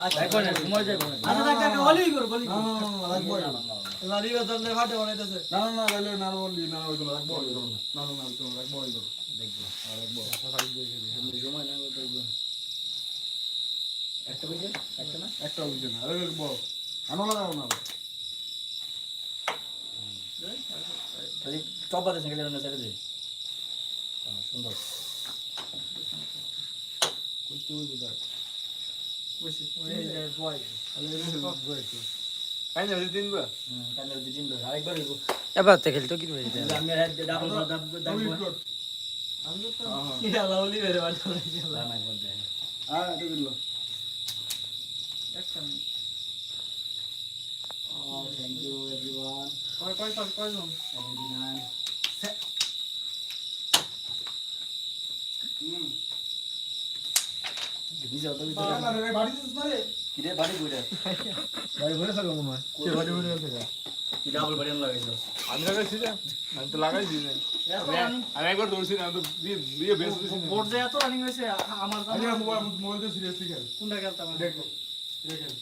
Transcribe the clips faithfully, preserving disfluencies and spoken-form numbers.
দেখো না ঘুমাই যাবো আচ্ছা দেখ দেখ বলি করো বলি না না না রাখবো লালি বাজার নে ফাটে বানাইতেছে না না না লাইলে না বললি না ওই তো রাখবো ওই তো না না না ওই তো রাখবো ওই তো দেখবো রাখবো সময় না দেখবো একটা বুঝে একটা না একটা বুঝে না আরে বড় আনো লাগাও না তাহলে চপাতে সাইকেল না ছেড়ে দে সুন্দর কইতে ওই বুঝা বসে ওই যে বয় কাই না দিন বা হুম কান্দার দিন ধরে আরেকবার হইব এবার তো খেলতো কি মেরে দেয় আমি হেড ডাবল ডাবল ডাবল আমি তো কি লাউলি বেরে বাটা লাগছিল না একবার দে হ্যাঁ এটা দিল একটা Oh, thank you everyone. কয় কয় কয় কয় জন seventy-nine. হুম নিজে অত ভিতরে বাবা রে বাড়ি দিস না রে কি রে বাড়ি কইরা বাড়ি ভরে থাকো মনে হয় কে বাড়ি ভরে থাকে কি ডাবল বাড়ি লাগাইছো আমি লাগাইছি না আমি তো লাগাইছি না আমি একবার দৌড়ছি না তো দিয়ে দিয়ে বেশ দিছি না বোর্ড দেয়া তো রানিং হইছে আমার আমি মোবাইল মোবাইল দিয়ে সিরিয়াসলি খেল কোনটা খেলতাম দেখো দেখেন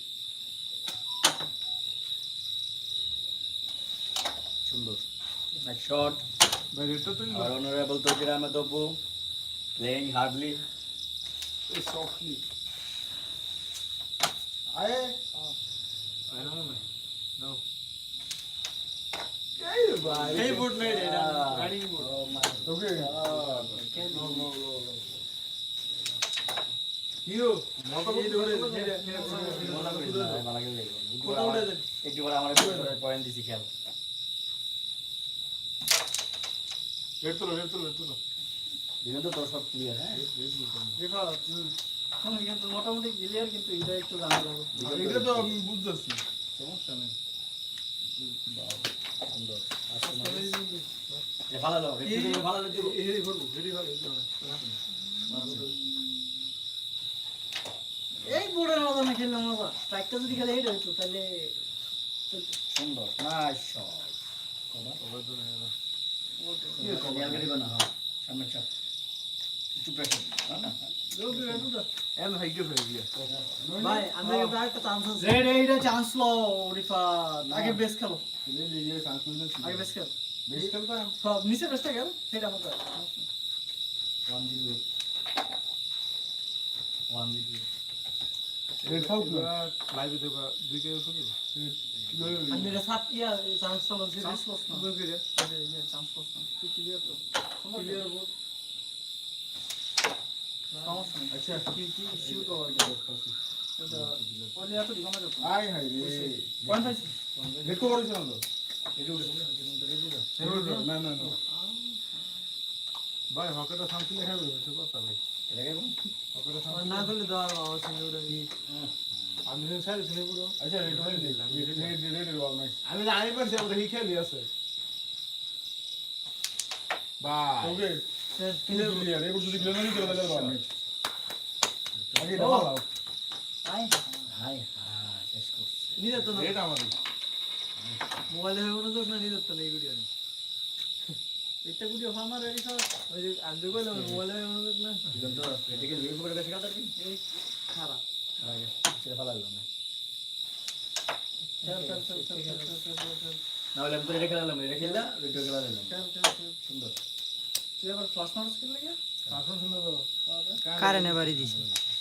সুন্দর next shot ভাই রেটটা তো our honorable Tokir Ahmed Abbu playing hardly এই সফটলি আয়ে আই নো না নো এই ভাই এই বোর্ড নাই রে এটা running board oh my okay god no no no hero মতো করে ধরে মজা করিস না ভালো লাগে কোথা উঠে দেন একটু পরে আমার পয়েন্ট দিছি খেল রেট তো রেট তো রেট তো দিবেন তো তোর সব ক্লিয়ার হ্যাঁ দেখো এখন কিন্তু মোটামুটি ক্লিয়ার কিন্তু এটা একটু জানা লাগবে এটা তো আমি বুঝতেছি সমস্যা নেই সুন্দর আসলে এ ভালো লাগলো একটু ভালো লাগলো এই করব রেডি হবে এই বোর্ডের মতো না খেললে মজা স্ট্রাইকটা যদি খেলে এটা হইতো তাহলে সুন্দর নাইস শট কবা ওভার তো না কি কবা আগে দিবা না সামনে চাপ একটু প্রেসার না এন্ড হাইকে ফেলে দিয়া ভাই আমি কিন্তু আরেকটা চান্স আছে রেড এইটা চান্স লো রিফাত আগে বেস খেলো এই যে এই চান্স মিলে আগে বেস খেল বেশ খেলতা সব নিচে বেসটা খেল সেটা মত one zero one zero red খাও তো লাইভে দেবা দুই কে শুনি আমি এটা সাত ইয়া চান্স লো চান্স লস না বুঝলি রে চান্স লস না তুই ক্লিয়ার তো ক্লিয়ার বোর্ড সমস্যা নেই আচ্ছা কি কি ইস্যু তো আর এটা ওলে এত দিগমা যাচ্ছে আই হাই রে পয়েন্ট পাইছি দেখো করেছ না তো এটা উঠে এটা না না না ভাই হকেটা শান্তি লেখা হবে তো কথা ভাই এটা কেমন হকেটা শান্তি না করলে দেওয়ার বাবা সঙ্গে ওটা আমি যেন সাইড শুনে পুরো আচ্ছা রেড হয়ে দিলাম রেড রেড রেড বল নাই আমি জানি পারছি আমরা কি খেলি আছে বাই ওকে ক্লিয়ার এবার যদি ক্লিয়ার না করে তাহলে বাবা আগে দাও আই হাই হাই শেষ করছি নিতে তো না রেড আমারই মোবাইলে হয়ে মনোযোগ না নিতে তো না এই ভিডিও এটা ভিডিও ফার্মার রেডি সব ওই যে আন্দু কইলো মোবাইলে হয়ে মনোযোগ না দিবেন তো এটাকে লিভ করে গেছে কাটার কি এই খারাপ আগে সেটা ভালো লাগলো না চল চল চল চল চল চল চল না হলে আমি তো এটা খেলালাম এটা খেললা ভিডিও খেলা দিলাম চল চল চল সুন্দর তুই আবার ফ্লাশ মারস খেললে গিয়া আসল শুনে তো কারেন্টে বাড়ি দিছি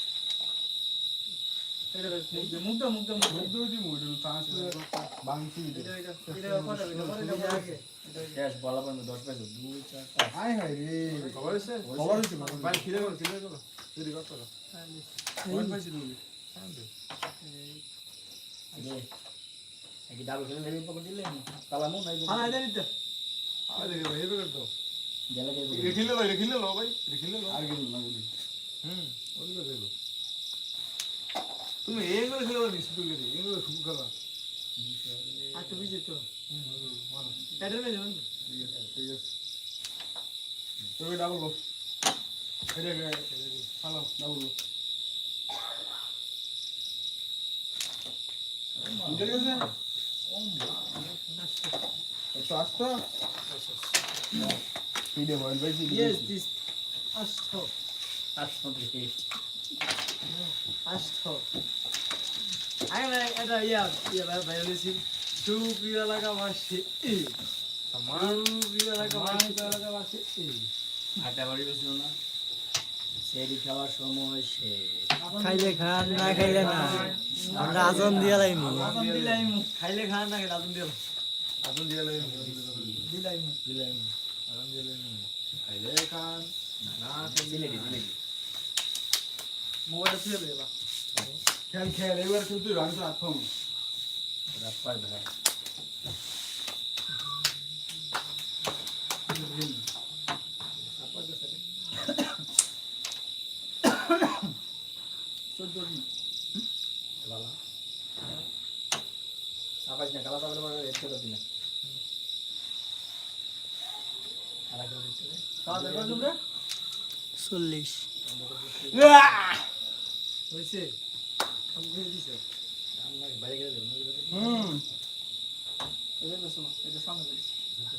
এটা মুগ্ধ মুগ্ধ মুগ্ধ মুখ দুই দি মুখ চান্স বাংছি এটা এটা এটা পরে এটা পরে এটা আগে শেষ বলা পর্যন্ত দশ পাইছো দুই চার পাঁচ আই হাই রে খবর আছে খবর আছে ভাই খিলে গেল খিলে গেল তুই কত টাকা কোন পাইছি তুমি আগে একই ডাবল খেলে লেগে পকড় দিলে তালামু নাই হ্যাঁ এটা নিতে আরে ভাই হেবে করতো জেলা কে রেখিলে লো রেখিলে লো ভাই রেখিলে লো আর গেল না বলি হুম ওই করে দেব তুমি এই করে খেলো নি শুধু করে এই করে শুরু করা আর তো বিজে তো এটা নেই জানেন ঠিক আছে ঠিক আছে তুমি ডাবল লো এটা গে হ্যালো ডাবল লো বুঝে গেছে একটু আস্তে ভিডিও বল ভাই Yes, this Astro. আচ্ছা Astro. আগে না এটা ইয়া ইয়া ভাই হয়েছিল সুপ্রিয় এলাকাবাসী সুপ্রিয় এলাকাবাসী এলাকাবাসী আটা বাড়ি বসছিল না সেরি খাওয়ার সময় সে খাইলে খান না খাইলে না আমরা আজন দিয়া লাইমু আগুন দিলাইমু খাইলে খান না খাইলে আগুন দিলাম আগুন দিয়ে লাগে দিলাইমু দিলাম আগুন দিয়ে লাগে খাইলে খান না সিলেটি সিলেটি মোবাইলটা ফেলে দেবা খেল খেল এবার কিন্তু আমি তো আত্ম রাপ্পার ভাই চোদ্দ দিন বালা সাবাস না কালা তাবলে বড় এত দিন আলা করে দিতে খাওয়া দাওয়া তোমরা চল্লিশ হয়েছে আমি করে দিছে আমরা বাইরে গেলে দেব হুম এটা বেশো না এটা সামনে দিছে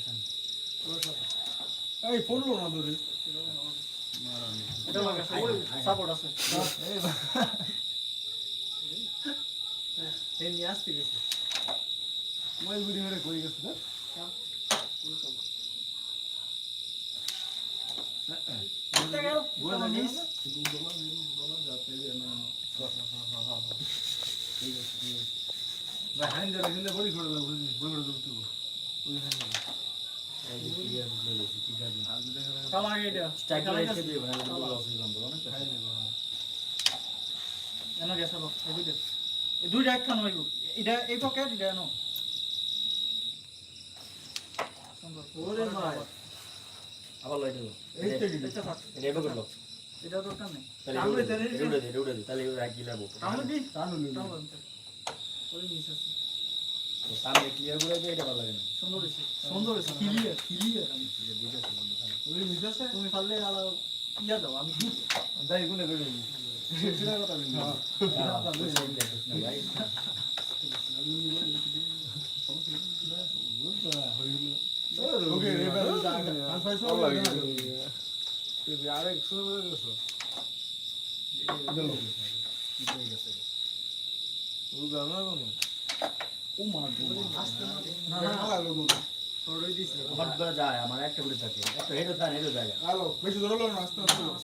এই ফোন লো না তোরে এটা লাগা সাপোর্ট আছে এই নিয়ে আসতে গেছে মোবাইল ভিডিও করে কই গেছে না গোলা নিস না হ্যান্ড ধরে খেলে বড়ি করে দাও বড়ি করে দাও তুই ওই হ্যান্ড এই যে ক্লিয়ার বলেছি ঠিক আছে আজ দেখা লাগে কালা এটা স্ট্রাইক রেখে দিই ভাই লস হই গেল অনেক খাই নেব এনো গেছে বাবা এই দুইটা এই দুইটা এক খান হইব এটা এই পকেট এটা এনো সুন্দর ওরে ভাই আবার লাইট হলো এই তো কি এটা থাক এটা এবার করলো এটা দরকার নেই তাহলে আমরা এটা জানি উড়ে দে উড়ে দে তাহলে ওরা কি লাভ আমরা দি টানো নি তাও বলতে ওই মিস আছে তো সামনে ক্লিয়ার করে দে এটা ভালো লাগে না সুন্দর হইছে সুন্দর হইছে ক্লিয়ার ক্লিয়ার এটা দিতে বন্ধু ভালো ওই মিজাছে তুমি পারলে আলা ইয়া দাও আমি দিব দাই গুনে করে নি সেটা কথা বলি না ভাই ওকে এবার পাঁচ পাঁচ সব লাগে তুই আরেক শুরু করে গেছো কি হয়ে গেছে ওই গানা কোন ও মার না না না লাগলো কোন সরই দিছে আমার দ্বারা যায় আমার একটা করে থাকে একটা হেডও থাকে হেডও যায় আলো বেশি ধরলো না আস্তে আস্তে